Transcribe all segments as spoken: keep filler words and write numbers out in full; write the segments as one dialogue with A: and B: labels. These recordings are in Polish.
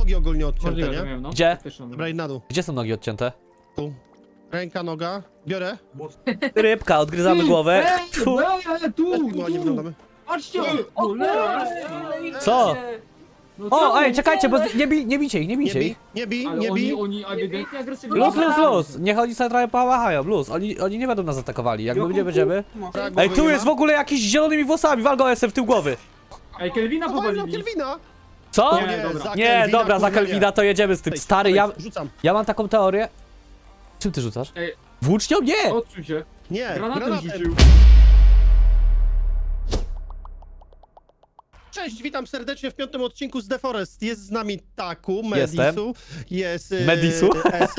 A: nogi ogólnie odcięte,
B: Możliwe,
A: nie?
B: to miałem, no.
C: Gdzie?
B: Faktyczną.
A: Dobra, i na dół.
C: Gdzie są nogi odcięte?
A: Tu. Ręka, noga. Biorę.
C: Rybka, odgryzamy głowę. Tfu.
B: Eee, tu,
A: Też no, nie
B: tu.
A: wyglądamy.
B: Patrzcie!
D: O
B: Cholera!
C: Co?
B: No
C: O,
B: co?
C: ej, czekajcie, bo z- nie, bij, nie bijcie ich, nie
A: Nie
C: bijcie
A: bij,
C: ich.
A: nie bij,
B: Ale
A: nie
B: oni,
A: bij.
B: oni ewidentnie agresywnie.
C: Luz, luz,
D: Dobra.
C: luz. Niech oni sobie trochę połachają, luz. Oni, oni nie będą nas atakowali, jak my nie będziemy.
A: Tak,
C: Ej,
A: głowy
C: tu
A: nie
C: jest w
A: ma.
C: ogóle jakiś z zielonymi włosami, wal go jestem w tył głowy.
B: Ej, Kelvina
A: No, walnę
B: powalili.
A: Kelvina.
C: Co?
B: Nie,
A: Nie,
B: dobra.
A: za
C: Nie,
A: Kelvina,
C: dobra, za
A: kurwa, nie.
C: Kelvina to jedziemy z tym.
A: Ej,
C: Stary,
A: ej,
C: ja,
A: Rzucam.
C: ja mam taką teorię. Czym ty rzucasz?
B: Ej.
C: Włócznią? Nie!
B: Odsuń się.
A: Nie,
B: Granatem
A: granatem.
B: rzucił.
A: Cześć, witam serdecznie w piątym odcinku z The Forest. Jest z nami Taku,
C: Jestem.
A: Medisu, jest... y,
C: Medisu?
A: S.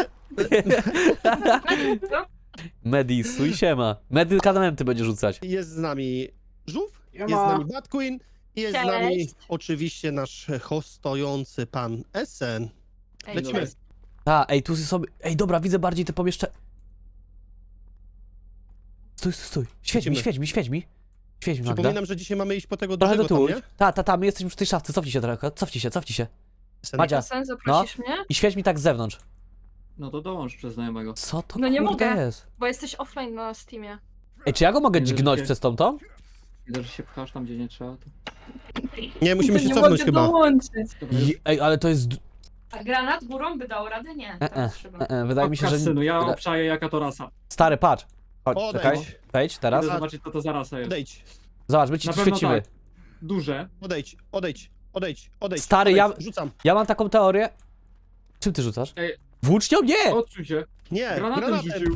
C: Medisu i siema. Medykamenty będzie rzucać.
A: Jest z nami Żółw, jest z
D: Siema.
A: nami Bad Queen i jest z
E: Cześć.
A: nami oczywiście nasz hostujący pan Esen.
E: Ej,
A: Lecimy.
E: cześć.
C: A, ej, tu sobie. Ej, dobra, widzę bardziej te pomieszczenie. Stój, stój, stój. Świeć mi,
A: Lecimy.
C: świeć mi, świeć mi. Świeć mi, Magda.
A: Przypominam, że dzisiaj mamy iść po tego
C: Trochę do
A: dużego
C: tyłu.
A: tam, nie?
C: Ta, ta, ta, my jesteśmy przy tej szafce. Cofnij się trochę, cofnij się, cofnij się.
A: Esen.
C: Madzia,
E: Sen, zaprosisz mnie?
C: i świeć mi tak z zewnątrz.
B: No to dołącz przez znajomego.
C: Co to
E: No nie
C: kurde
E: mogę.
C: jest?
E: Bo jesteś offline na Steamie.
C: Ej, czy ja go mogę
B: Nie, że
C: dźgnąć
B: się-
C: przez tą tą?
B: Widzę, że się pchasz tam, gdzie nie trzeba. To...
A: Nie, musimy
E: To
A: się
E: nie
A: cofnąć
E: mogę
A: chyba.
E: dołączyć.
B: Dobra, już.
C: I, ej, ale to jest... d-
F: A granat górą by dał radę? Nie.
C: E,
F: To
C: e,
F: jest szybko.
C: e, e, wydaje mi się, że...
B: Synu, ja
C: wyda-
B: obszaję jaka to rasa.
C: Stary, patrz. Chodź,
A: Odejdź.
C: czekaj. Wejdź teraz.
B: Chcę zobaczyć, co to za rasa jest.
A: Odejdź,
C: Zobacz, my ci
B: Na
C: tu
B: pewno
C: świecimy.
B: tak. Duże.
A: odejdź, odejdź, odejdź, odejdź.
C: Stary,
A: odejdź.
C: ja-
A: Rzucam.
C: Ja mam taką teorię. Czym ty rzucasz?
B: Ej.
C: Włócznią? Nie!
B: Odsuń się.
A: Nie,
B: Granatem,
A: granatem.
B: rzucił.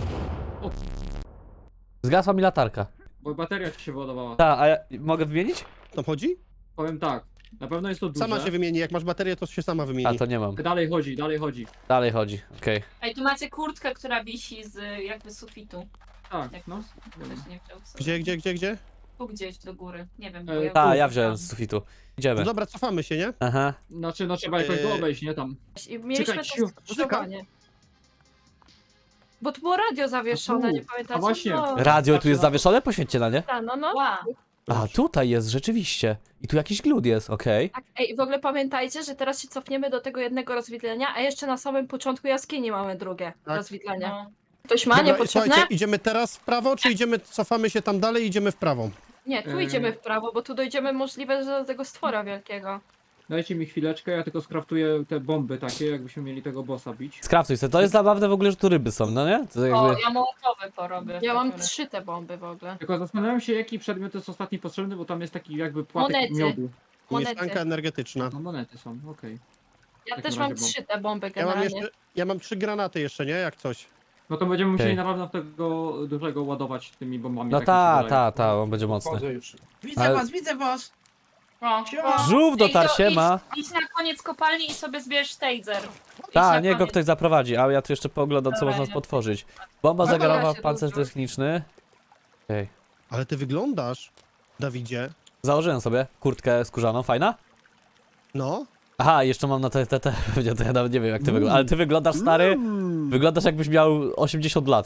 C: Zgasła mi latarka.
B: Bo bateria ci się wyładowała.
C: Ta, a ja mogę wymienić?
A: Tam chodzi?
B: Powiem tak. Na pewno jest to duże.
A: Sama się wymieni, jak masz baterię, to się sama wymieni.
C: A, to nie mam.
B: Dalej chodzi, dalej chodzi.
C: Dalej chodzi, okej.
F: Ej, tu macie kurtkę, która wisi z jakby sufitu.
B: Tak,
F: Jak
B: no.
F: ktoś nie chciał sobie.
A: Gdzie, gdzie, gdzie, gdzie?
F: Tu gdzieś do góry. Nie wiem,
B: E,
F: bo ja...
C: Ta, ja wziąłem z sufitu.
A: No
C: Idziemy.
A: dobra, cofamy się, nie?
C: Aha.
B: Znaczy, no trzeba jakoś
A: Eee.
B: go obejść, nie tam.
E: I mieliśmy
B: Czekaj,
E: to
B: ciu,
E: skrzyżowanie.
F: Bo tu było radio zawieszone,
B: A tu.
F: nie pamiętacie?
B: A właśnie.
F: No.
C: Radio tu jest zawieszone? Poświęćcie na nie.
E: Ta, no, no.
F: Ła.
C: A, tutaj jest, rzeczywiście. I tu jakiś glut jest, okej.
E: Tak, ej, w ogóle pamiętajcie, że teraz się cofniemy do tego jednego rozwidlenia, a jeszcze na samym początku jaskini mamy drugie
A: Tak.
E: rozwidlenie.
F: No.
E: Ktoś ma
A: Dobra,
E: niepotrzebne?
A: słuchajcie, idziemy teraz w prawo, czy idziemy, cofamy się tam dalej i idziemy w prawo?
E: Nie, tu
B: Eee.
E: idziemy w prawo, bo tu dojdziemy możliwe że do tego stwora wielkiego.
B: Dajcie mi chwileczkę, ja tylko skraftuję te bomby takie, jakbyśmy mieli tego bossa bić.
C: Skraftuj sobie. To jest zabawne w ogóle, że tu ryby są, no nie? To
F: O,
C: jakby...
F: ja mołotowy porobię.
E: Ja mam
F: Takie.
E: trzy te bomby w ogóle.
B: Tylko zastanawiam się, jaki przedmiot jest ostatni potrzebny, bo tam jest taki jakby płatek
E: Monety.
B: miodu.
E: Monety.
A: Mieszkanka energetyczna.
B: No monety są, okej.
E: Ja
B: takim
E: też mam
B: razie bomb.
E: trzy te bomby
A: Ja mam
E: generalnie.
A: jeszcze, ja mam trzy granaty jeszcze, nie? Jak coś.
B: No to będziemy musieli
C: Okej.
B: na pewno tego dużego ładować tymi bombami.
C: No
B: tak mi się
C: ta,
B: wydaje.
C: ta, ta, on będzie mocny.
D: Wchodzę już. Widzę
C: Ale-
D: was, widzę was!
F: O,
D: Siema.
C: Żółw dotarł,
F: Ej, to
C: siema.
F: Idź, idź na koniec kopalni i sobie zbierz taser. Idź
C: Ta,
F: na
C: niech go
F: koniec.
C: ktoś zaprowadzi, a ja tu jeszcze poglądam, co
F: Dobra,
C: można
F: idę.
C: potworzyć. Bomba
E: Dobra,
C: zegarowa,
E: się
C: pancerz
E: dużo.
C: techniczny. Okej.
A: Ale ty wyglądasz, Dawidzie.
C: Założyłem sobie kurtkę skórzaną, fajna?
A: No.
C: Aha, jeszcze mam na te, te, te, to ja nawet nie wiem jak ty wyglądasz, ale ty wyglądasz stary,
A: Mm.
C: wyglądasz jakbyś miał osiemdziesiąt lat.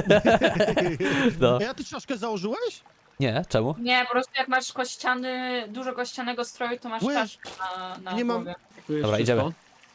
C: No.
A: A ja ty czaszkę założyłeś?
C: Nie, czemu?
F: Nie, po prostu jak masz kościany, dużo kościanego stroju, to masz
A: Łe.
F: czaszkę na, na
A: Nie mam-
F: głowie.
B: Tu jest
C: Dobra,
B: czysto.
C: idziemy.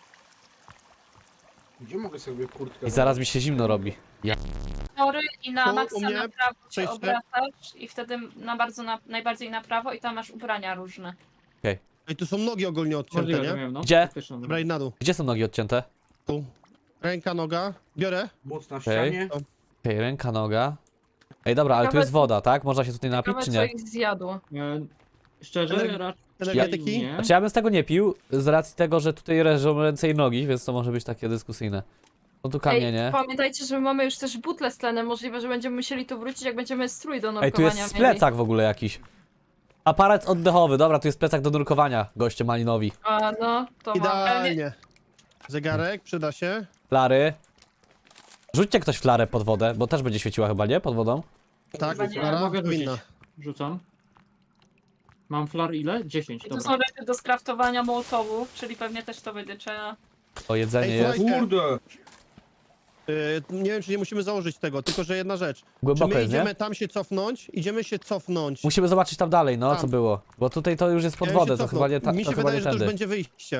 D: Gdzie mogę sobie kurtkę
C: I zaraz mi się zimno robi.
F: Tory i na
A: Tu u
F: maksa
A: mnie
F: na prawo się
A: przejście.
F: obracasz i wtedy na bardzo na, najbardziej na prawo i tam masz ubrania różne.
A: Ej, tu są nogi ogólnie odcięte,
B: Możliwe, to
A: nie?
B: miałem, no.
C: Gdzie?
B: Faktyczną.
A: Dobra, i na dół.
C: Gdzie są nogi odcięte?
A: Tu. Ręka, noga. Biorę.
D: Moc na
C: Okej.
D: ścianie.
C: Okej, ręka, noga. Ej, dobra, ale tu
E: Ciekawe,
C: jest woda, tak? Można się tutaj napić,
E: Ciekawe
C: czy
E: co
C: nie?
E: ich zjadło.
B: E, szczerze,
A: Ener-
B: raczej
A: Energetyki?
B: nie.
C: Znaczy ja bym z tego nie pił, z racji tego, że tutaj leżą ręce i nogi, więc to może być takie dyskusyjne. Są tu kamienie.
E: Ej, pamiętajcie, że my mamy już też butle z tlenem. Możliwe, że będziemy musieli tu wrócić, jak będziemy strój do nurkowania
C: Ej, tu jest
E: mieli.
C: plecak w ogóle jakiś. Aparat oddechowy, dobra, tu jest plecak do nurkowania, goście malinowi.
E: A no, to mamy.
A: Idealnie. Zegarek, przyda się.
C: Flary. Rzućcie ktoś flarę pod wodę, bo też będzie świeciła chyba, nie? Pod wodą?
A: Tak,
F: Chyba nie.
A: Klara,
B: Mogę rzucić.
A: powinna.
B: Rzucam. Mam flar ile? dziesięć,
F: I tu
B: dobra.
F: są rzeczy do skraftowania mołotowów, czyli pewnie też to będzie trzeba.
C: O, jedzenie
A: Ej,
C: jest.
A: słuchaj,
D: Kurde!
A: Y, nie wiem, czy nie musimy założyć tego, tylko że jedna rzecz. Czy
C: Głęboko
A: my
C: jest,
A: idziemy
C: nie?
A: tam się cofnąć? Idziemy się cofnąć.
C: Musimy zobaczyć tam dalej, no,
A: Tam.
C: co było. Bo tutaj to już jest pod
A: Ja bym się
C: wodę, to
A: cofnął.
C: chyba nie, ta,
A: Mi
C: to
A: się
C: chyba
A: wydaje,
C: nie
A: że to już
C: tędy.
A: będzie wyjście.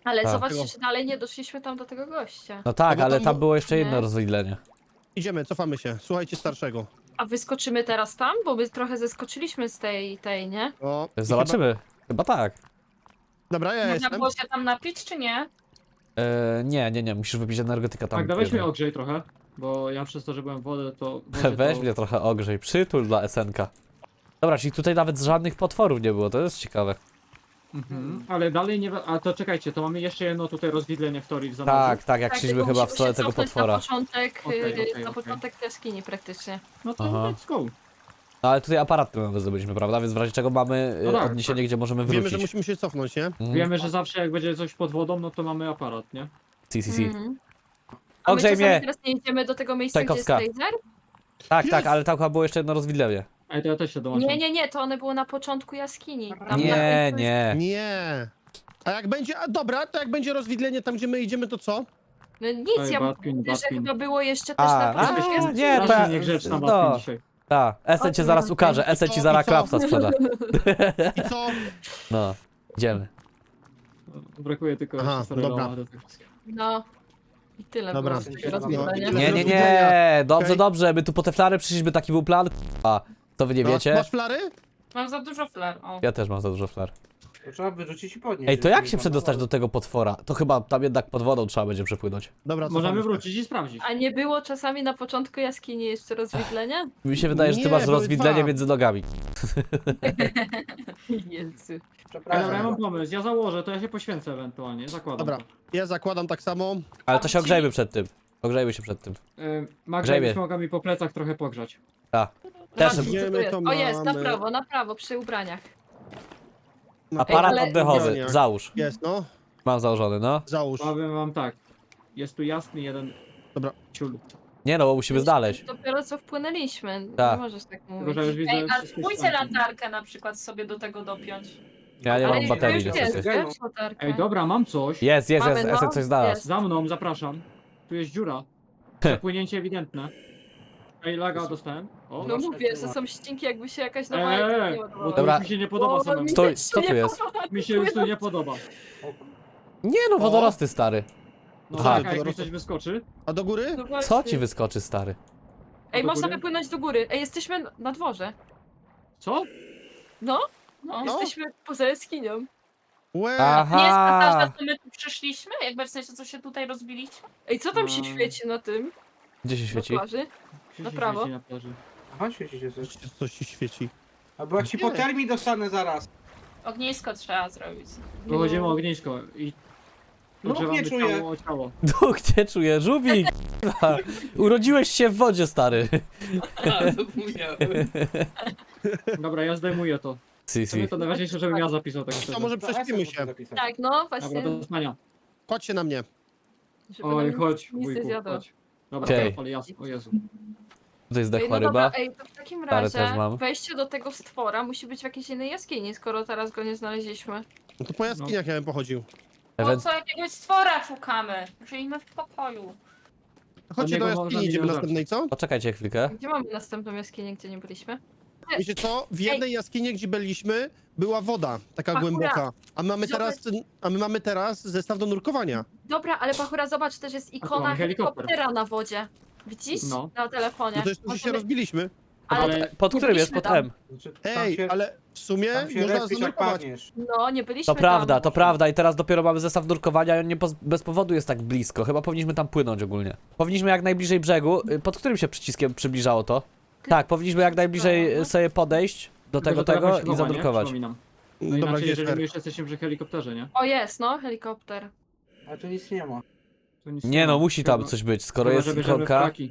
E: Ale
C: Tak.
E: zobaczcie, że dalej nie doszliśmy tam do tego gościa.
C: No tak,
A: No bo
C: ale
A: tam
C: tam
A: bu-
C: było jeszcze jedno
E: Nie.
C: rozwidlenie.
A: Idziemy, cofamy się. Słuchajcie starszego.
E: A wyskoczymy teraz tam? Bo my trochę zeskoczyliśmy z tej, tej, nie?
A: O, i
C: Zobaczymy. Chyba tak.
A: Chyba... Dobra, ja
F: Można
A: jestem.
F: było się tam napić, czy nie?
C: E, nie, nie, nie, musisz wypić energetyka tam.
B: Tak, dawaj
C: bierze.
B: mnie ogrzej trochę, bo ja przez to, że byłem w wodę, to... w wodzie,
C: Weź
B: to...
C: mnie trochę ogrzej, przytul dla Esenka. Dobra, czyli tutaj nawet żadnych potworów nie było, to jest ciekawe.
B: Mhm. Ale dalej nie... A to czekajcie, to mamy jeszcze jedno tutaj rozwidlenie w teorii w zamorzu.
C: Tak, tak, jak
E: Tak,
C: szliśmy
E: tylko
C: chyba w
E: musimy
C: stronę
E: się
C: tego
E: cofnąć
C: potwora.
E: Na początek,
B: Okej,
E: yy,
B: okej,
E: na
B: okej.
E: początek jaskini praktycznie.
B: No to
C: Aha.
B: let's go.
C: No ale tutaj aparat tyłowy zdobyliśmy, prawda? Więc w razie czego mamy
B: No
C: y,
B: tak,
C: odniesienie,
B: tak.
C: gdzie możemy
A: Wiemy,
C: wrócić.
A: że musimy się cofnąć, nie?
C: Mhm.
B: Wiemy, że zawsze jak będzie coś pod wodą, no to mamy aparat, nie?
C: Si, si, si.
E: Mhm. A my
C: Ogrzej
E: czasami
C: mnie!
E: teraz nie idziemy do tego miejsca,
C: Czajkowska.
E: gdzie jest laser?
C: Tak, tak,
A: Jest!
C: ale tam chyba było jeszcze jedno rozwidlenie.
B: Ej, to ja też się dołączam.
E: Nie, nie, nie, to one były na początku jaskini. Tam na
C: Nie,
E: końcu
C: nie.
A: Nie. A jak będzie, a dobra, to jak będzie rozwidlenie tam, gdzie my idziemy, to co?
E: jest- No nic,
B: Ej,
E: ja
B: Batkin,
E: mówię, że
B: Batkin.
E: chyba było jeszcze też
C: A,
E: na
C: a,
E: początku
C: nie,
E: jaskini.
C: to
B: Strasznie
C: ja-
B: niegrzeczna
C: no.
B: babka dzisiaj.
C: Tak, Esen cię zaraz ukaże, Esen ci zaraz
A: I co?
C: klapsa sprzeda.
A: I co?
C: No, idziemy.
B: Brakuje tylko
A: Aha,
B: jeszcze starego
A: dobra.
B: lama do tego wszystkiego.
E: No. I tyle
A: Dobra.
E: było z tego rozwiązania.
A: No.
C: Nie, nie, nie, dobrze, dobrze, my tu po te flary przyszliśmy, taki był plan. A, to wy nie
A: No,
C: wiecie?
A: masz flary?
F: Mam za dużo flar. O.
C: Ja też mam za dużo flar.
D: To trzeba wyrzucić i podnieść.
C: Ej, to jak się przedostać do tego potwora? To chyba tam jednak pod wodą trzeba będzie przepłynąć.
A: Dobra, cofamy
B: Możemy
A: się.
B: wrócić i sprawdzić.
E: A nie było czasami na początku jaskini jeszcze rozwidlenia?
C: Mi się wydaje, że ty
A: Nie,
C: masz
A: były
C: rozwidlenie
A: dwa.
C: między nogami.
E: Jezu.
B: Ej,
D: Przepraszam.
B: dobra, ja mam pomysł, ja założę, to ja się poświęcę ewentualnie, zakładam.
A: Dobra, ja zakładam tak samo.
C: Ale to się ogrzejmy przed tym. Ogrzejmy się przed tym.
B: Yy, Magda,
C: Grzejmie.
B: byś mogła mi po plecach trochę pogrzać.
C: Tak. Też
E: Zobaczcie, co tu
A: Wiemy,
E: jest.
A: to
E: O jest, na
A: mamy.
E: prawo, na prawo, przy ubraniach.
C: Aparat
E: ale-
C: oddechowy,
A: Ubrania.
C: załóż.
A: Jest, no.
C: Mam założony, no.
A: Załóż.
B: Powiem wam tak, jest tu jasny jeden
A: Dobra.
B: ciul.
C: Nie no, bo musimy znaleźć.
E: Dopiero co wpłynęliśmy.
C: Tak.
E: Nie możesz tak
B: Tylko,
E: mówić.
B: że już widzę
F: Ej, a
B: wszystkie
F: spójrzcie
B: ścianki.
F: latarkę na przykład sobie do tego dopiąć.
C: Ja nie
E: Ale
C: mam
E: już
C: baterii
E: jest,
C: niestety.
E: wiesz, latarka.
B: Ej, dobra, mam coś.
C: Jest, jest,
E: Mamy,
C: jest,
E: no,
C: Esen coś znalazł.
E: jest.
B: Za mną, zapraszam. Tu jest dziura. Przepłynięcie ewidentne. Ej, laga dostałem. O,
E: No
D: Masz
E: mówię,
D: takie
E: że
D: ma.
E: są ścinki, jakby się jakaś nowa
B: Eee,
E: jakaś nie
B: bo
E: ładowała.
B: to
C: Dobra.
B: już mi się nie podoba
E: O,
B: samemu.
E: mi
C: Stój,
E: też się
C: co tu
E: nie
C: jest?
E: podoba.
B: Mi się już tu nie podoba.
C: Nie no, wodorosty stary.
B: No
C: Aha.
B: tak, a jak mi
A: Wodorosty.
B: coś wyskoczy?
A: A do góry?
E: No właśnie.
C: Co ci wyskoczy, stary?
E: Ej,
B: do
E: można
B: góry?
E: wypłynąć do góry. Ej, jesteśmy na dworze.
B: Co?
E: No,
F: No.
A: No.
E: jesteśmy poza jaskinią.
A: Łe.
F: Nie jest to
C: Aha!
F: ta, że to my tu przyszliśmy? Jakby w sensie, co się tutaj rozbiliśmy?
E: Ej, co tam się
B: Mm.
E: świeci na tym?
C: Gdzie się
E: Na
C: świeci?
E: plaży?
B: Gdzie
E: Na
B: się
E: prawo.
B: świeci na plaży?
D: Aha, świeci się coś.
A: Coś, coś ci świeci.
D: Albo jak ci
A: Gdzie?
D: po termii dostanę zaraz.
F: Ognisko trzeba zrobić.
B: Wychodzimy o ognisko i...
D: No,
B: podgrzewamy
D: nie czuję.
B: ciało o ciało.
C: Duch nie czuję, żubik! Urodziłeś się w wodzie, stary.
B: Dobra, ja zdejmuję to.
C: Si,
B: W sumie
C: si.
B: to najważniejsze, żebym ja zapisał tak
A: To
B: szczerze.
A: może
D: To
A: prześpimy
D: Esen
A: się.
D: musi zapisać.
E: Tak, no właśnie.
B: Dobra, do spania.
A: Chodźcie na mnie.
E: Żeby
B: Oj,
E: nam
B: chodź,
E: nic nie
B: wujku,
E: zjadło.
B: chodź. Dobra,
C: Okej.
B: ale jasno, o Jezu.
C: Tutaj
E: Ej,
C: zdechła
E: no dobra,
C: ryba.
E: ej, to w takim
C: Parę
E: razie
C: też mam.
E: wejście do tego stwora musi być w jakiejś innej jaskini, skoro teraz go nie znaleźliśmy.
A: No to po jaskiniach ja bym pochodził.
F: Po
C: Ewen-
F: co jakiegoś stwora szukamy? Żyjmy w pokoju.
A: Chodźcie
B: niego
A: do
B: można
A: jaskini, idziemy
B: milion
A: następnej, co?
C: Poczekajcie chwilkę.
E: Gdzie mamy następną jaskinię, gdzie nie byliśmy?
A: Wiecie co? W jednej jaskini, gdzie byliśmy, była woda, taka
E: Pachura.
A: głęboka. A mamy
E: Zobacz.
A: teraz, a my mamy teraz zestaw do nurkowania.
E: Dobra, ale Pachura, zobacz, też jest
B: tu
E: ikona
B: mamy helikopter.
E: helikoptera na wodzie. Widzisz?
B: No.
E: Na telefonie.
A: No to jest to, że się
E: Możemy-
A: rozbiliśmy.
E: Ale,
B: Ale
C: Pod
E: nie
C: którym jest
E: byliśmy tam.
C: potem?
D: Znaczy, tam
A: Ej,
D: się,
A: ale w sumie
D: tam się
A: można
D: respisz jak
A: zanurkować.
D: padniesz.
E: no, nie byliśmy
C: To prawda,
E: tam.
C: to prawda i teraz dopiero mamy zestaw nurkowania i on nie poz- bez powodu jest tak blisko. Chyba powinniśmy tam płynąć ogólnie. Powinniśmy jak najbliżej brzegu. Y, Pod którym się przyciskiem przybliżało to? Tak, powinniśmy jak najbliżej y, sobie podejść do
B: tylko,
C: tego
B: że telefon
C: tego
B: się
C: i
B: chowa, nie?
C: zanurkować.
B: Przypominam. No
A: Dobra,
B: inaczej,
A: gdzie jest
B: jeżeli my
A: R?
B: jeszcze jesteśmy przy helikopterze, nie?
E: O, jest, no, helikopter.
D: Ale tu nic nie ma.
B: To nic
C: Nie
B: ma.
C: no, musi tam
B: Chyba-
C: coś być, skoro
B: chyba,
C: jest
B: że bierzemy
C: ikonka.
B: flaki.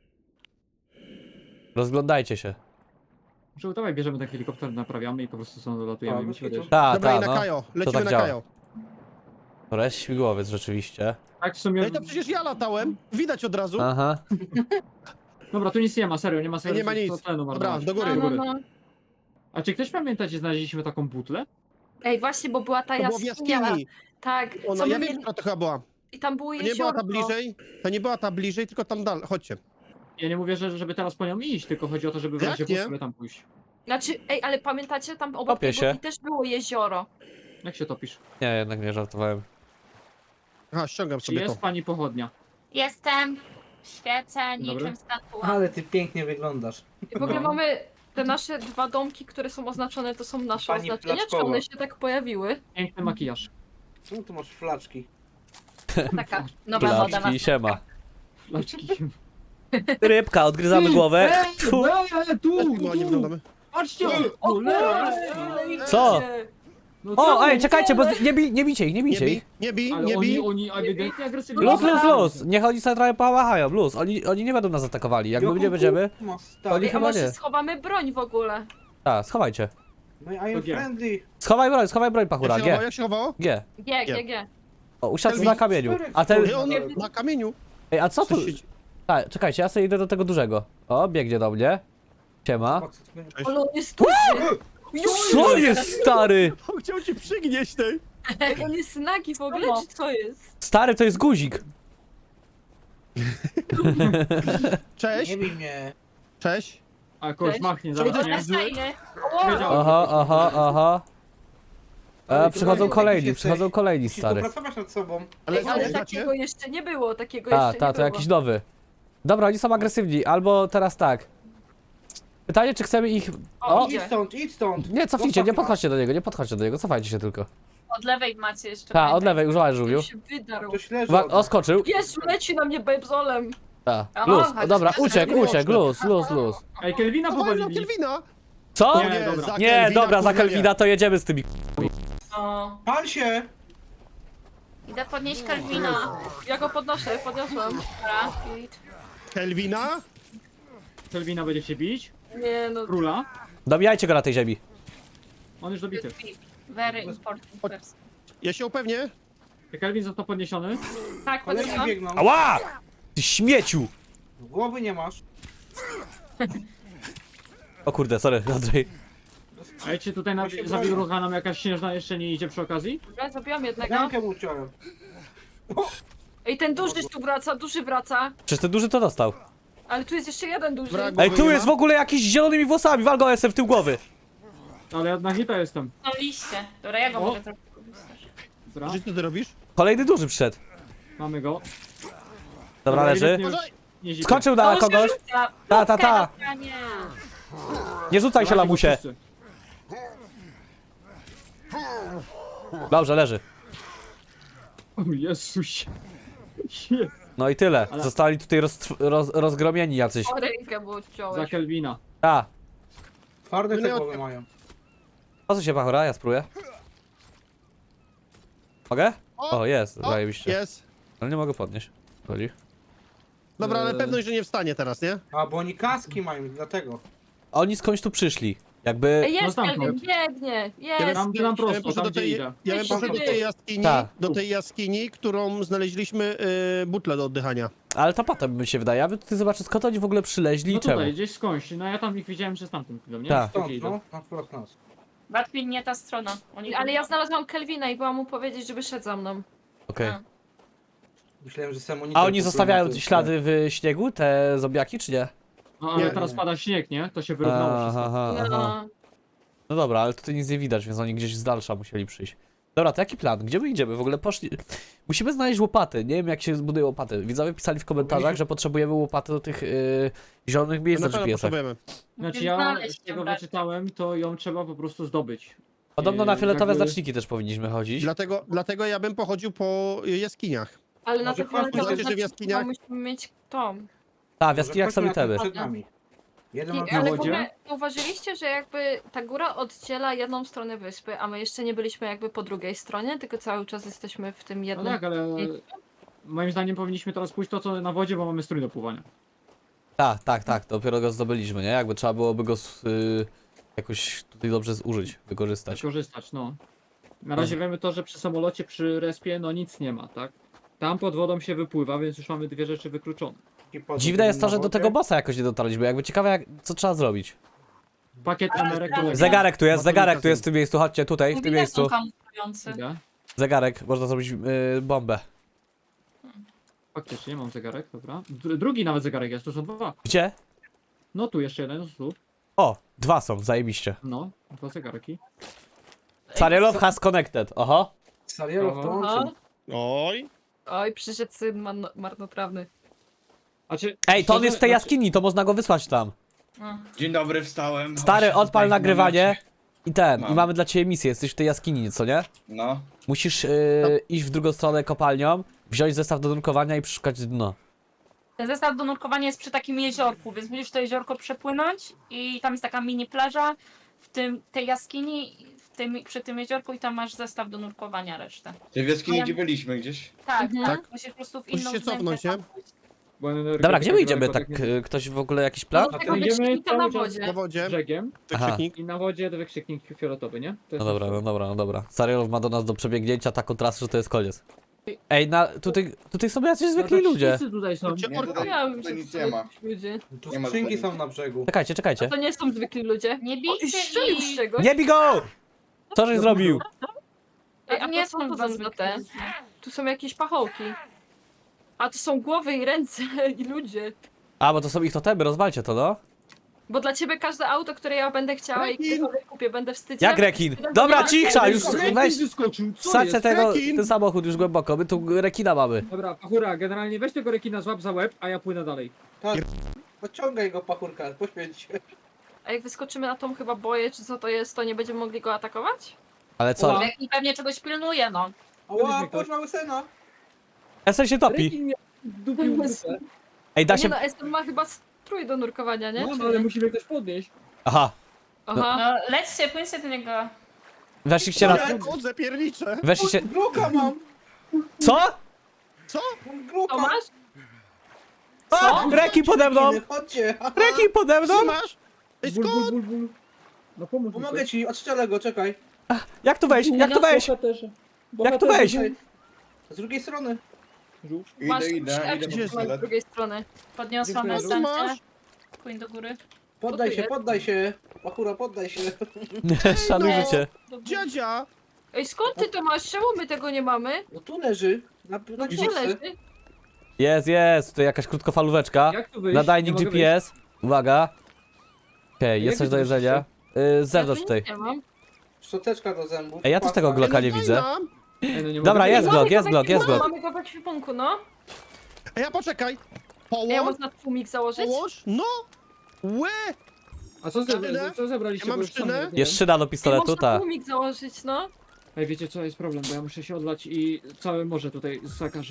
C: Rozglądajcie się.
B: Może dawaj bierzemy ten helikopter, naprawiamy i po prostu stąd dolatujemy.
D: A,
B: i
D: bez
B: myślę,
D: kitu.
B: że-
C: Ta,
A: Dobra,
C: ta,
A: i na
C: no.
A: Kajo. Lecimy
C: tak
A: na
C: działa.
A: Kajo.
C: To jest śmigłowiec rzeczywiście.
B: Tak w sumie...
A: Ej, to przecież ja latałem. Widać od razu.
C: Aha.
B: Dobra, tu nic nie ma, serio, nie ma serio.
A: nie ma
B: co-
A: nic.
B: co tlenu
A: Dobra,
B: marnować.
A: do góry.
E: No, no, no.
B: A czy ktoś pamięta, gdzie znaleźliśmy taką butlę?
E: Ej, właśnie, bo była ta
A: To było w
E: jaskinia.
A: jaskini.
E: Tak,
A: Ona,
E: co my
A: ja wiem,
E: mieli...
A: która to chyba była.
E: I tam było
A: To nie była ta
E: jeziorko.
A: bliżej. To nie była ta bliżej, tylko tam dalej. Chodźcie.
B: Ja nie mówię, że, żeby teraz po nią iść, tylko chodzi o to, żeby w
A: Jak
B: razie
A: nie?
B: po sobie tam pójść.
E: Znaczy, ej, ale pamiętacie, tam obok
C: Topię
E: tej
C: się.
E: budki też było jezioro.
B: Jak się topisz?
C: Nie, jednak nie żartowałem.
A: Aha, ściągam
B: Czy
A: sobie
B: jest
A: to.
B: pani pochodnia?
F: Jestem. Świecę
B: Dobra.
F: niczym statue.
D: Ale ty pięknie wyglądasz.
E: I w ogóle
B: No.
E: mamy te nasze dwa domki, które są oznaczone, to są nasze
D: Pani
E: oznaczenia, czy
D: Placzkowa.
E: one się tak pojawiły?
B: Piękny makijaż.
D: Czemu tu masz flaczki?
F: Taka nowa moda na
C: Placzki, siema.
B: Flaczki.
C: Rybka, odgryzamy głowę. Tfu.
B: Eee, tu,
A: Też ładnie
B: tu!
A: wyglądamy.
B: Patrzcie! Cholera!
C: Co?
B: No
C: O,
B: co?
C: ej, czekajcie, bo z- nie, bij, nie bijcie ich, nie
A: Nie
C: bijcie
A: bij,
C: ich.
A: nie bij,
B: Ale
A: nie
B: oni,
A: bij.
B: oni ewidentnie agresywnie.
C: Luz, luz, luz. Niech oni sobie trochę połachają, luz. Oni, oni nie będą nas atakowali. Jak my nie będziemy,
D: Ma
C: Oni
D: stary.
E: Ej, a
C: chyba
E: może
C: nie.
E: schowamy broń w ogóle?
C: tak, schowajcie.
D: No i I am
B: To nie.
D: friendly.
C: Schowaj broń, schowaj broń,
A: Jak
C: pachura,
A: się chowało?
C: G.
A: Jak się chowało?
C: G.
E: G, G, G.
C: O, usiadł
A: Kelvin,
C: na kamieniu.
D: cztery
C: A ten...
A: Nie, on
E: Nie.
A: na kamieniu.
C: Ej, a co tu...
A: Coś się-
C: Tak, czekajcie, ja sobie idę do tego dużego. O, biegnie do mnie. Siema.
A: Cześć.
E: Ale on jest duży!
C: Co jest, stary?
A: On chciał ci przygnieść, tej.
E: Ej, on jest nagi w ogóle,
F: Mamo.
E: czy co jest?
C: Stary, to jest guzik.
A: Cześć,
D: Nie bij mnie.
A: cześć.
B: A kogoś
E: Cześć.
B: machnie
A: Czemu
B: zaraz,
A: to
B: nie?
A: jest zły?
F: Fajny.
B: Wiedziałem.
C: Aha, aha, aha.
D: Ale
C: E,
D: to
C: przychodzą
D: jesteś-
C: kolejni,
D: jesteś-
C: przychodzą kolejni,
D: Musisz
C: stary.
D: popracować nad sobą.
A: Ale,
E: Ej, ale
A: znacie?
E: takiego jeszcze nie było, takiego
C: A,
E: jeszcze
C: ta,
E: nie
C: to
E: było.
C: jakiś nowy. Dobra, oni są agresywni, albo teraz tak. Pytanie, czy chcemy ich...
E: O,
C: O!
E: idzie.
D: Idź stąd, idź stąd.
C: Nie, cofnijcie,
D: Zostaw
C: nie
D: nas.
C: podchodźcie do niego, nie podchodźcie do niego, cofajcie się tylko.
F: Od lewej macie jeszcze.
C: Ta, od
F: pamiętaj.
C: lewej, używaj żółwiu.
E: On się wydarł.
D: To śleży
C: Wa-
D: od
C: o,
D: nas.
C: skoczył.
E: Jezu, leci na mnie bebzolem.
C: Ta,
F: O,
C: luz,
F: chodź,
C: dobra,
F: chodź,
C: uciekł,
A: chodź.
C: uciekł, luz, luz, luz.
B: Ej, Kelvina
A: Powalił
B: powalili.
A: Kelvina.
C: Co?
B: Nie,
A: Nie,
B: dobra.
A: za
C: Nie,
A: Kelvina,
C: dobra, za
A: kurwa, nie.
C: Kelvina to jedziemy z tymi.
F: O,
D: Pal się!
F: idę podnieść Kelvina.
E: Ja go podnoszę, podniosłam.
F: Dobra, git.
A: Kelvina?
B: Kelvina będzie się bić.
E: Nie no,
B: Króla.
C: Dobijajcie go na tej ziemi.
B: On już dobity.
F: Very important person.
A: Ja się upewnię.
B: Kelvin został podniesiony.
E: tak,
D: Kolejni
E: podniosłam.
D: biegną.
C: Ała! Ty śmieciu!
D: Głowy nie masz.
C: O kurde, sorry, Andrzej.
B: A ja cię tutaj na,
D: Ja się
B: za
D: boję.
B: wilrucha nam jakaś śnieżna jeszcze nie idzie przy okazji?
E: Dobra, zabiłam jednego.
D: Rękę mu uciąłem.
E: Ej, ten duży tu wraca, duży wraca.
C: Przecież ten duży to dostał.
E: Ale tu jest jeszcze jeden duży.
A: Wrak.
C: Ej,
A: Głowy
C: tu
A: nie
C: jest w
A: ma?
C: ogóle jakiś z zielonymi włosami, wal go jestem w tył głowy.
B: Ale ja na hita jestem.
F: Są liście. Dobra, ja go
B: O.
F: może trochę.
B: Dobra,
A: Że co ty robisz?
C: Kolejny duży przyszedł.
B: mamy go.
C: Dobra, leży.
B: ewidentnie już
A: Uważaj.
B: nie zipie.
C: Skoczył na kogoś. Ta, ta, ta.
F: Nie.
C: Nie rzucaj się,
B: Dawajcie go
C: lamusie.
B: wszyscy.
C: Dobrze, leży.
B: O Jezusie. Je-
C: No i tyle.
B: Ale-
C: Zostali tutaj roz, roz, rozgromieni jacyś.
E: O, rękę mu
B: Za
E: odciąłeś.
B: Kelvina.
C: A,
D: Twarde
A: No
D: te
A: nie
D: głowy
A: od-
D: mają.
C: po co się pachora? Ja spróbuję. Mogę? O, jest,
A: O,
C: zajebiście.
A: jest.
C: Ale nie mogę podnieść. Chodzi.
A: Dobra, ale
B: Eee.
A: pewność, że nie wstanie teraz, nie?
D: A, bo oni kaski mają, dlatego.
C: Oni skądś tu przyszli. Jakby...
E: Ej, jest
B: No
E: Kelvin,
B: stamtąd.
E: biegnie,
A: Ja
E: jest.
B: Tam, tam
A: Ja bym
B: prosto,
A: poszedł
B: tam
A: do
B: gdzie
A: tej,
B: idę.
A: ja bym
E: Weź
A: poszedł do
E: się
A: tej
E: wy-
A: jaskini,
C: Tak.
A: do tej jaskini, którą znaleźliśmy y, butlę do oddychania.
C: Ale to potem mi się wydaje. Ja bym tutaj zobaczył, skąd oni w ogóle przyleźli
B: No
C: i czemu.
B: tutaj, gdzieś skądś. No ja tam ich widziałem przez tamtym chwilą, nie?
C: Tak.
B: Takie
D: Stąd,
B: idą.
D: no, na wprost nas.
F: Batwin nie ta strona. Oni
E: Ale ja znalazłam Kelvina i byłam mu powiedzieć, żeby szedł za mną.
C: Okej.
F: A.
D: Myślałem, że sam
C: A oni zostawiają ślady w śniegu, te zombiaki, czy nie?
B: No ale
A: Nie.
B: teraz pada śnieg, nie? To się wyrównało
C: Aha,
B: wszystko.
C: aha, aha.
E: No.
C: No dobra, ale tutaj nic nie widać, więc oni gdzieś z dalsza musieli przyjść. Dobra, to jaki plan? Gdzie my idziemy? W ogóle poszli... Musimy znaleźć łopaty. Nie wiem, jak się zbuduje łopaty. Widzowie pisali w komentarzach, że potrzebujemy łopaty do tych yy, zielonych miejsc
A: Na
C: na
A: pewno
C: G P S-ach.
A: potrzebujemy.
B: Znaczy
F: Musisz
B: ja
F: znaleźć
B: z tego
F: ją,
B: wyczytałem, to ją trzeba po prostu zdobyć.
C: Podobno
B: Yy,
C: na fioletowe
B: jakby-
C: znaczniki też powinniśmy chodzić.
A: Dlatego, dlatego ja bym pochodził po jaskiniach.
E: Ale na
D: Może
E: to
D: chodźmy,
E: fioletowe
A: zobaczycie, że w
E: znaczy,
A: jaskiniach-
E: musimy mieć tą.
C: Tak, w jaskiniach są itemy.
D: Przed nami. Jeden
E: I,
D: ma
E: ale w
B: wodzie?
E: ogóle zauważyliście, że jakby ta góra oddziela jedną stronę wyspy, a my jeszcze nie byliśmy jakby po drugiej stronie, tylko cały czas jesteśmy w tym
B: No
E: jednym.
B: tak, ale moim zdaniem powinniśmy teraz pójść to co na wodzie, bo mamy strój do pływania.
C: Tak, tak, tak, dopiero go zdobyliśmy, nie? Jakby trzeba byłoby go z, y, jakoś tutaj dobrze zużyć, wykorzystać.
B: Korzystać, no. Na razie wiemy to, że przy samolocie, przy respie, no nic nie ma, tak? Tam pod wodą się wypływa, więc już mamy dwie rzeczy wykluczone.
C: Dziwne jest to, że do tego bossa jakoś nie dotarliśmy. Jakby ciekawe, jak, co trzeba zrobić.
B: Pakiet emerek do
C: Zegarek tu jest,
A: Batonika
C: zegarek tu
A: są.
C: jest w tym miejscu, chodźcie tutaj, w tym
F: Widać,
C: miejscu.
F: są kamuflujący.
B: Idę.
C: Zegarek, można zrobić y, bombę.
B: Faktycznie, mam zegarek, dobra. Dru- Drugi nawet zegarek jest, tu są dwa.
C: Gdzie?
B: No tu jeszcze jeden, tu.
C: O, dwa są, zajebiście.
B: No, dwa zegarki.
C: Sarielow has connected, oho.
D: Sarielow to
B: Aha.
D: łączy.
A: Oj.
E: Oj, przyszedł syn man- marnotrawny.
B: A czy,
C: Ej, to on
B: szczerze,
C: jest w tej
B: znaczy-
C: jaskini, to można go wysłać tam.
F: No.
G: Dzień dobry, wstałem.
C: Stary,
G: Właśnie
C: odpal
G: tutaj w
C: nagrywanie
G: namiocie.
C: i ten, i
G: Mam.
C: mamy dla ciebie misję, jesteś w tej jaskini, co nie?
G: No.
C: Musisz yy, iść w drugą stronę kopalnią, wziąć zestaw do nurkowania i przeszukać dno.
F: Ten zestaw do nurkowania jest przy takim jeziorku, więc musisz to jeziorko przepłynąć i tam jest taka mini plaża w tym, tej jaskini, w tym, przy tym jeziorku i tam masz zestaw do nurkowania resztę.
G: Ty w jaskini,
F: Ale-
G: gdzie byliśmy gdzieś?
F: Tak,
E: Mhm.
F: tak. Musisz po prostu w
A: Musisz
F: inną
A: się
F: wnętrze
A: cofnąć, nie?
F: tam pójść.
B: Bo energetyka
C: Dobra, gdzie my idziemy?
B: daleko
C: Tak,
B: nie-
C: yy, ktoś w ogóle jakiś plan?
E: Do
B: A
E: tego
B: to idziemy
E: wykrzyknika na
B: cały czas
E: wodzie.
A: Na wodzie.
B: Brzegiem
C: Aha.
A: Wykrzyknik.
B: i na wodzie wykrzyknik fioletowy, nie? To jest
C: No dobra,
B: nasz
C: no
B: cel.
C: dobra, no dobra. Sarielow ma do nas do przebiegnięcia taką trasę, że to jest koniec. Ej, na, tutaj, tutaj są jacyś zwykli
B: No to
C: ludzie.
B: wszyscy tutaj są.
A: Cię
G: Nie,
A: orka.
G: tutaj,
E: Ja bym
G: tutaj
E: się
G: nic nie ma.
E: ludzie.
D: Tu
G: Nie ma
D: skrzynki
G: tutaj
D: są na brzegu.
C: Czekajcie, czekajcie.
E: To nie są zwykli ludzie.
F: Nie
E: O, i
F: bijcie
E: strzelił z
F: ich!
E: czegoś.
C: Nie bij go! Co żeś zrobił?
E: Ej,
F: A
E: a
F: nie
E: to co
F: są
E: to
F: dwa
E: za
F: zwykli
E: te?
F: ludzie.
E: Tu są jakieś pachołki. A to są głowy i ręce i ludzie.
C: A, bo to są ich totemy, rozwalcie to, no.
E: Bo dla ciebie każde auto, które ja będę chciała i
A: Rekin!
E: które kupię, będę wstydzić.
C: Jak rekin? Dobra, cisza, już
B: Rekin
C: weź.
B: wyskoczył, co
C: Wsadźcie
B: jest?
C: tego,
A: Rekin!
C: ten samochód już głęboko, my tu rekina mamy.
B: Dobra, Pachura, generalnie weź tego rekina, złap za łeb, a ja płynę dalej.
D: Tak. Pociągaj go, pachurka, poświęć się.
E: A jak wyskoczymy na tą chyba boję, czy co to jest, to nie będziemy mogli go atakować?
C: Ale co?
B: Ła.
F: I pewnie czegoś pilnuje, no.
D: Ała,
B: Weźmy ktoś.
D: posz mały sena.
C: Esen się topi.
B: Rekin mnie dupił w dupę.
C: Ej, da
E: Nie
C: się...
E: no, Eston ma chyba strój do nurkowania, nie?
B: No,
E: Czy
B: no ale
E: nie?
B: musimy ktoś podnieść.
C: Aha,
E: Aha.
F: No lećcie, płyńcie do niego.
C: weszliście na...
A: Ja chodzę, pierniczę.
C: Weszliście...
D: Gluka mam!
C: Co?
D: Mam gluka!
E: To masz?
C: O! Rekin pode mną!
D: Chodźcie!
C: Rekin pode mną!
A: Co masz? Ej,
B: Bul, bul,
A: skąd?
B: bul, bul. No pomóż mi
D: Pomogę
B: ktoś.
D: ci, odstrzelę go, czekaj.
C: Jak tu wejść? Jak tu wejść?
B: Bohaterze.
C: Jak tu wejść?
D: Tutaj. Z drugiej strony.
E: Masz
G: Idę, idę,
E: jak
G: idę
A: Gdzie
G: po
A: jest?
E: z
G: pistolet.
E: drugiej strony.
F: Podniosłam
B: Dziękuję.
A: Co
F: następnie.
A: masz?
F: Płyń do góry.
D: Poddaj
E: tu
D: się,
E: jest?
D: poddaj się. Pachura, poddaj się.
C: Szanuj
A: no.
C: życie.
F: Do góry.
A: Dziadzia!
E: Ej, skąd ty to masz? Czemu my tego nie mamy?
D: No tu leży. Na, na
E: No gdzie
D: grzybce.
E: leży?
C: Jest, jest, tutaj jakaś krótkofalóweczka.
B: Jak tu wyjść?
C: Nadajnik
B: Nie mogę
C: G P S. Uwaga. Okej,
B: Jak
C: jest coś
B: wy
C: do
B: tu
C: jedzenia. Y, Z zewnątrz
E: ja tu
C: tutaj.
E: nic nie mam.
D: Szczoteczka do zębów.
C: Ej, ja też tego
D: pasta.
C: Glocka nie
A: Daj
C: widzę.
A: nam.
B: wyjść. Ej, no nie
C: Dobra,
B: mogę
C: jest
B: wyjść.
C: Glock,
E: Mamy
C: jest
E: go w
C: Glock, jest
E: ekwipunku,
C: Glock.
E: Mamy go w ekwipunku, no.
A: Ej, ja poczekaj.
E: Ej, ja
A: Połóż,
E: można tłumik założyć?
A: połóż, no! Łe!
B: A co,
A: Szynę?
B: ze, co zebraliście?
A: Ja mam
B: Bo już sam
A: szynę?
B: nawet nie
C: Jest
B: wiem.
C: szyna do
E: Ej,
C: pistoletu,
E: można
C: ta.
E: tłumik założyć, no.
B: Ej, wiecie co, jest problem, bo ja muszę się odlać i całe morze tutaj zakażę.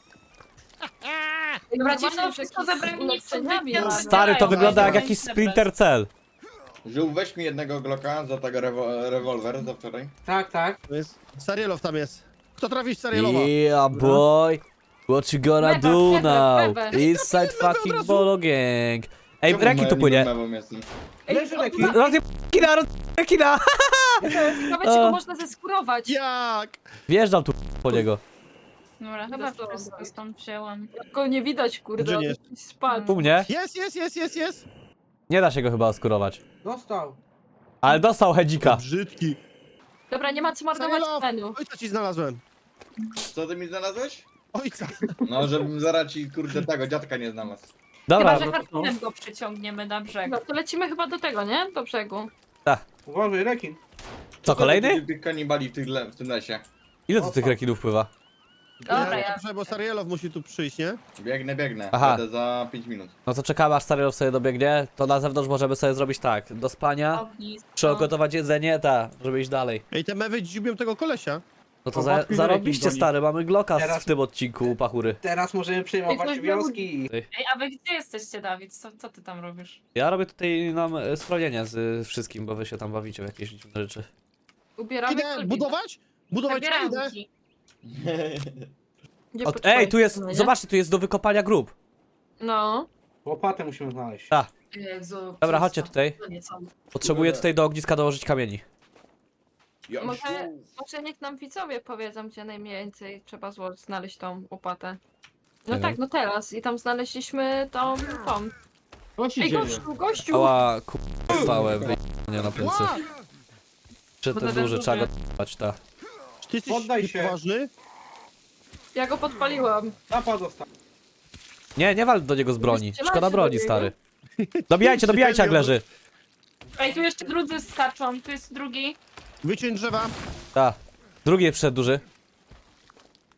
E: Ej,
F: Dobra, ci
E: normalnie
F: są
E: już
F: wszystko
E: jakieś
F: zebrani, nic
E: ulepszeniami
F: nie
E: mamy.
C: Stary, to wygląda jak jakiś Splinter Cell.
G: Żół, weź mi jednego Glocka za tego rewo rewolwer za wczoraj.
D: Tak, tak.
A: To jest... Sarielow tam jest. Kto trafi w Sarielowa?
C: Yeah, boy. What you gonna
E: Lewa,
C: do
E: lewa,
C: now?
E: lewa.
C: Inside
A: Lewa od
C: fucking
A: razu.
C: Bolo Gang. Ej,
G: Czemu
C: rekin tu
G: moja
C: płynie.
G: niemową jestem?
E: Ej,
D: Leży
E: o,
D: rekin.
E: ma-
C: Rozjeb... Kina, roz... Kina!
E: Ciekawe, czy go można zeskurować.
A: Jak?
C: Wjeżdżam tu po niego.
F: Dobra, chyba
E: Zresztą
F: wszystko
E: tak.
F: stąd wzięłam.
E: Go nie widać, kurde,
A: Gdzie
E: on
A: nie?
E: jakiś spadł.
C: U mnie?
A: Jest, jest, jest, jest, jest!
C: Nie da się go chyba oskurować.
D: Dostał.
C: Ale dostał hedzika.
A: Brzydki.
E: Dobra, nie ma co marnować
A: Sarielow!
E: tlenu.
A: Ojca ci znalazłem.
G: Co ty mi znalazłeś?
A: Ojca.
G: No, żebym zaraz ci kurde tego dziadka nie znalazł.
C: Dobra,
F: Chyba, że
B: no to-
F: harpunem go przyciągniemy na brzeg.
E: No to lecimy chyba do tego, nie? Do brzegu.
D: Uważaj, rekin.
C: co, kolejny?
G: Tych, tych kanibali w, tych le w tym lesie.
C: Ile tu tych rekinów pływa?
F: Dobra,
A: Nie,
F: ja-
A: Dobrze, bo Sarielow musi tu przyjść, nie?
G: Biegnę, biegnę.
C: Aha.
G: Będę za pięć minut.
C: No to czekamy aż Stariow sobie dobiegnie, to na zewnątrz możemy sobie zrobić tak, do spania,
F: Ognisko.
C: przygotować jedzenie, ta, żeby iść dalej.
A: Ej, te mewy dziubią tego kolesia.
C: No to
D: O,
C: za,
D: łatwiej
C: zarobiście
B: rekin goni.
C: stary, mamy Glocka
D: Teraz-
C: w tym odcinku u Pachury.
D: Teraz możemy przejmować
E: Ej, coś
D: wioski.
F: Ej, a wy gdzie jesteście, Dawid? Co, co ty tam robisz?
C: Ja robię tutaj nam e, schronienie z y, wszystkim, bo wy się tam bawicie w jakieś dziwne rzeczy.
E: Ubieramy
A: Idę
E: kolbinę.
A: budować? Budować czy
F: Zabieram
A: idę?
F: ci.
E: Gdzie
C: O,
E: poczekaj,
C: ej, tu jest,
E: nie?
C: zobaczcie, tu jest do wykopania grób.
E: No.
D: Łopatę musimy znaleźć.
C: Tak.
F: Jezu,
C: Dobra, chodźcie tutaj. Potrzebuję tutaj do ogniska dołożyć kamieni.
G: Jasiu.
E: Może, może niech nam widzowie powiedzą, gdzie najmniej trzeba zło- znaleźć tą łopatę. No
C: Nie
E: tak,
C: wiem.
E: no teraz. I tam znaleźliśmy tą, tą.
B: Co się
E: Ej,
B: dzieje?
E: gościu, gościu!
C: Ała, ku... stałem, nie na plecy.
A: Ła!
C: Czy
F: Bo
C: ten
F: ten
C: duży,
F: duży.
C: trzeba go t***ać, ta.
A: Czy ty jesteś
D: Poddaj się.
A: poważny?
E: Ja go podpaliłam.
D: Tapa dostał.
C: Nie, nie wal do niego z broni,
E: Strzelacie
C: szkoda
E: do
C: broni,
E: niego?
C: stary. Dobijajcie, dobijajcie jak leży.
F: Ej, tu jeszcze drudzy skaczą, tu jest drugi.
A: Wyciąć drzewa.
C: Ta. Drugi przyszedł duży.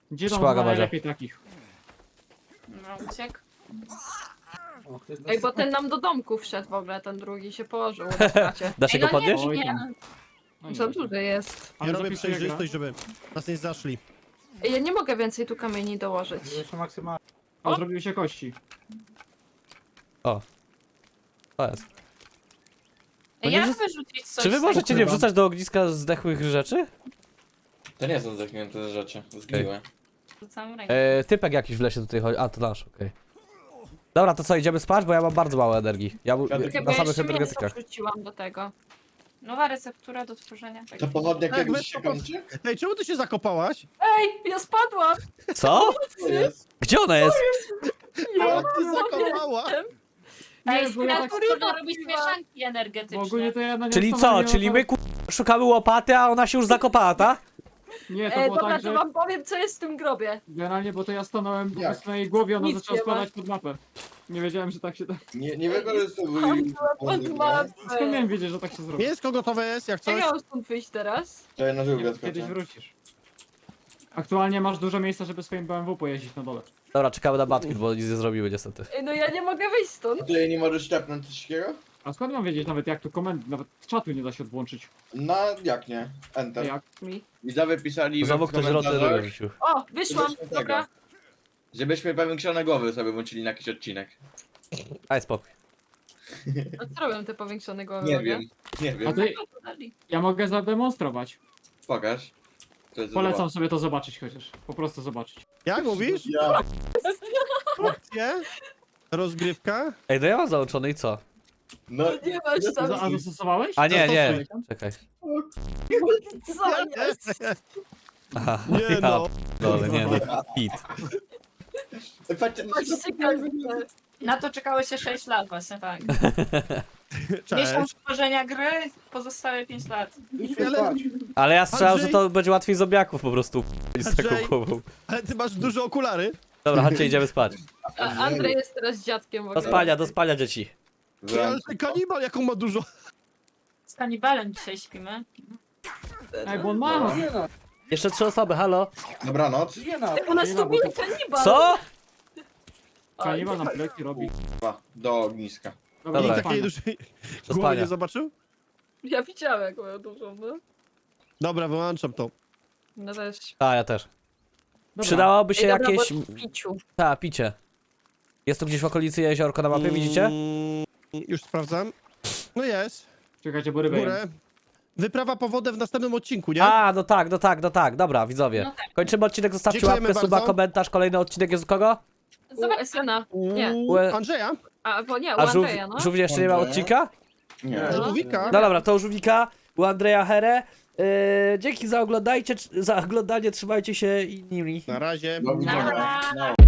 B: Gdzie tam
C: Szpaga,
B: ma
C: Madzia.
B: najlepiej takich?
F: No, uciekł.
D: O, ktoś
E: Ej, bo ten nam do domku wszedł w ogóle, ten drugi się położył na stracie.
C: Da się
F: Ej,
C: go
F: no nie,
C: podnieść?
B: Oj,
F: nie.
B: tam. No nie
E: Co
B: da się.
E: duży jest.
B: Ale
A: Ja robię
B: zapisuje
A: przejrzystość,
B: gra.
A: żeby nas nie zaszli.
E: Ej, ja nie mogę więcej tu kamieni dołożyć.
D: Jeszcze maksymalnie.
B: O, zrobiły się kości.
C: To jest.
F: Ej,
C: nie
F: jak
C: wrzuc-
F: wyrzucić coś
C: Czy wy
F: z
C: możecie
F: tego?
C: nie wrzucać do ogniska zdechłych rzeczy?
G: To nie są zdechnięte rzeczy, zgniłe.
F: Rzucam rękę.
C: E, typek jakiś w lesie tutaj chodzi. A, to nasz, okej. Dobra, to co, idziemy spać? Bo ja mam bardzo mało energii. Ja mu-
G: Chyba
E: Chyba
C: na samych
E: jeszcze mięso
C: energetykach.
E: wrzuciłam do tego.
F: Nowa receptura do tworzenia.
G: To pochodnia
A: Tak,
G: kiedyś
A: weź
G: się
A: to pod-
G: kończy?
A: Ej, czemu ty się zakopałaś?
E: Ej, ja spadłam!
C: Co?
G: To jest.
C: Gdzie ona jest?
A: Ja ty zakopała!
F: Ej,
B: bo ja tak-
F: można robić mieszanki
B: Bo ogólnie
F: energetyczne.
B: to ja na nią
C: Czyli co?
B: stanąłem,
C: Czyli
B: ona-
C: my ku... szukamy łopaty, a ona się już zakopała, ta?
B: Nie, to
E: Ej,
B: było
E: dobra,
B: tak,
E: to
B: że
E: wam powiem, co jest w tym grobie.
B: generalnie, bo to ja stanąłem po
G: Jak?
B: prostu na jej głowie, ona
E: Nic
B: zaczęła
E: nie ma.
B: spadać pod mapę. Nie wiedziałem, że tak się da.
G: Nie, nie wykorzystywuj.
E: Pod
B: Skąd
E: mapę.
B: miałem wiedzieć, że tak się zrobi?
A: Mięsko gotowe jest, jak
E: Jak
A: coś.
E: ja mam stąd wyjść teraz?
G: To ja na żółwia
B: Kiedyś
G: skoczę.
B: wrócisz. Aktualnie masz dużo miejsca, żeby swoim B M W pojeździć na dole.
C: Dobra, czekamy na Batkin, bo nic nie zrobiły niestety.
E: Ej, no ja nie mogę wyjść stąd.
G: A ty nie możesz szepnąć coś takiego?
B: A skąd mam wiedzieć nawet jak tu komendy, nawet czatu nie da się odłączyć?
G: Na jak nie? Enter.
B: Jak?
E: Mi.
G: Widzowie pisali
C: Znowu
G: w
C: ktoś rotę
G: komentarzach,
C: rzucił.
E: O, wyszłam,
G: żebyśmy tego,
E: dobra.
G: żebyśmy powiększone głowy sobie włączyli na jakiś odcinek.
C: Daj spokój.
E: A co robią te powiększone głowy?
G: Nie
E: mogę?
G: wiem, nie
B: A
G: wiem.
B: to ja mogę zademonstrować.
G: Pokaż. Co jest za
B: Polecam sobie to zobaczyć chociaż. Po prostu zobaczyć.
A: Jak mówisz?
G: Ja.
A: Opcje? Rozgrywka?
C: Ej, no ja mam załączony i co?
G: No,
E: Nie masz tam
B: Za- A zastosowałeś?
C: A nie, nie.
B: Zastosuj.
C: Czekaj.
E: co jest.
C: Aha,
A: Nie
C: ja
A: no.
C: Dole, nie no. Hit.
G: patrzcie,
E: Patrzcie, jak-
F: Na to czekało się sześć lat właśnie, tak.
A: Cześć.
F: Miesiąc tworzenia gry, pozostałe pięć lat.
D: Idźmy
A: Ale-
D: spać.
C: Ale ja strzelam, że
A: Andrzej-
C: to będzie łatwiej zombiaków po prostu z taką
A: Andrzej-
C: głową.
A: Ale ty masz duże okulary.
C: Dobra, chodźcie, idziemy spać.
E: A Andrzej jest teraz dziadkiem w
C: Do
E: ogóle.
C: spania, do spania dzieci.
A: Ty, ale ten kanibal jaką ma dużo.
F: Z kanibalem dzisiaj śpimy.
B: Ej, bo on ma!
D: Nie no,
C: Jeszcze trzy osoby, halo.
G: Dobranoc.
D: nie no.
E: U nas tu był kanibal.
C: Co?
B: Kanibal nam pleki robi.
G: Dwa, do ogniska.
B: Dobra,
C: Dobra.
B: do
A: Takiej
B: spania.
A: dużej
C: Do
A: głowy
C: spania.
A: nie zobaczył?
E: Ja widziałem, jak moją dużą, no.
A: Dobra, wyłączam to.
E: No też.
C: A, ja też.
B: Dobra.
C: Przydałoby się
E: Ej, dobra,
C: jakieś...
E: bo w piciu.
C: Ta, picie. Jest tu gdzieś w okolicy jeziorko na mapie, widzicie?
A: Mm, już sprawdzam. No jest.
B: Czekajcie, bo rybę jem.
A: Górę. Wyprawa po wodę w następnym odcinku, nie?
C: A, no tak, no tak, no tak. Dobra, widzowie.
F: No tak.
C: Kończymy odcinek, zostawcie
A: Dziękujemy
C: łapkę, suba,
A: bardzo.
C: komentarz. Kolejny odcinek jest u kogo?
E: U Esena. Nie.
A: U Andrzeja?
E: A, bo nie, u
C: A żółw,
E: Andrzeja, no.
C: żółw jeszcze nie ma
G: Andrzeja?
C: odcinka?
G: Nie.
E: No.
A: Żółwika?
C: No dobra, to u żółwika, u Andrzeja Here. Yy, dzięki za oglądajcie, za oglądanie, trzymajcie się i nimi.
A: Na razie.
G: Do widzenia.
F: Nara.
G: No.